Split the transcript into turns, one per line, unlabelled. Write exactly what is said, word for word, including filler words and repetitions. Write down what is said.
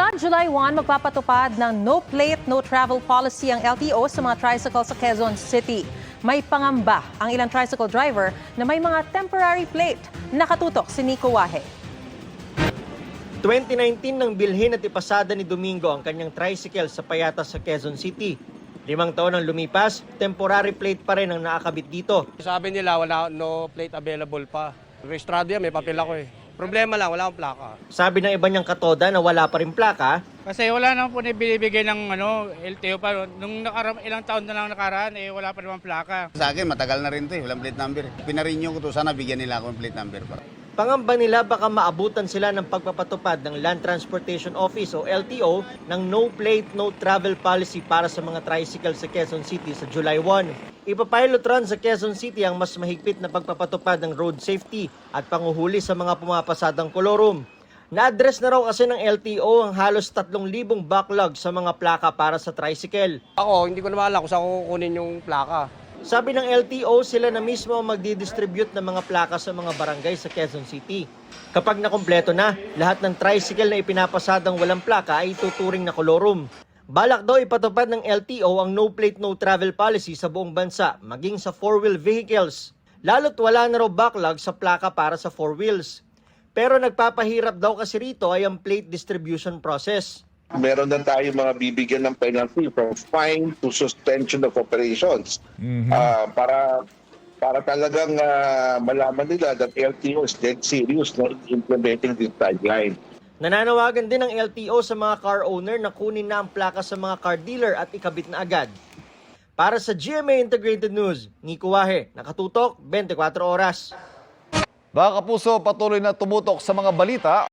Mula July first, magpapatupad ng no plate, no travel policy ang L T O sa mga tricycle sa Quezon City. May pangamba ang ilang tricycle driver na may mga temporary plate. Nakatutok si Nico Wahe.
twenty nineteen nang bilhin at ipasada ni Domingo ang kanyang tricycle sa Payatas sa Quezon City. Limang taon ang lumipas, temporary plate pa rin ang nakakabit dito.
Sabi nila wala no plate available pa. Registrado yan, may papel ako eh. Problema lang, wala akong plaka.
Sabi ng iba niyang katoda na wala pa rin plaka.
Kasi wala naman po na binibigay ng ano, L T O pa. Nung nakara- ilang taon na lang nakaraan, eh, wala pa naman plaka.
Sa akin, matagal na rin ito eh. Walang plate number. Pinarinyo ko to. Sana bigyan nila ako ng plate number. Para.
Pangamba nila baka maabutan sila ng pagpapatupad ng Land Transportation Office o L T O ng no plate, no travel policy para sa mga tricycle sa Quezon City sa July first. Ipapilot run sa Quezon City ang mas mahigpit na pagpapatupad ng road safety at panguhuli sa mga pumapasadang kolorum. Na-address na raw kasi ng L T O ang halos tatlong libong backlog sa mga plaka para sa tricycle.
Ako, hindi ko na maalala kung saan ko kukunin yung plaka.
Sabi ng L T O, sila na mismo ang magdidistribute ng mga plaka sa mga barangay sa Quezon City. Kapag nakumpleto na, lahat ng tricycle na ipinapasadang walang plaka ay tuturing na kolorum. Balak daw ipatupad ng L T O ang no plate no travel policy sa buong bansa, maging sa four-wheel vehicles. Lalo't wala na raw backlog sa plaka para sa four wheels. Pero nagpapahirap daw kasi rito ay ang plate distribution process.
Meron na tayo mga bibigyan ng penalty from fine to suspension of operations. Mm-hmm. uh, para para talagang uh, malaman nila that L T O is dead serious no, in implementing this guideline.
Nananawagan din ng L T O sa mga car owner na kunin na ang plaka sa mga car dealer at ikabit na agad. Para sa G M A Integrated News, Nico Wahe, nakatutok, twenty-four oras.
Mga kapuso, patuloy na tumutok sa mga balita.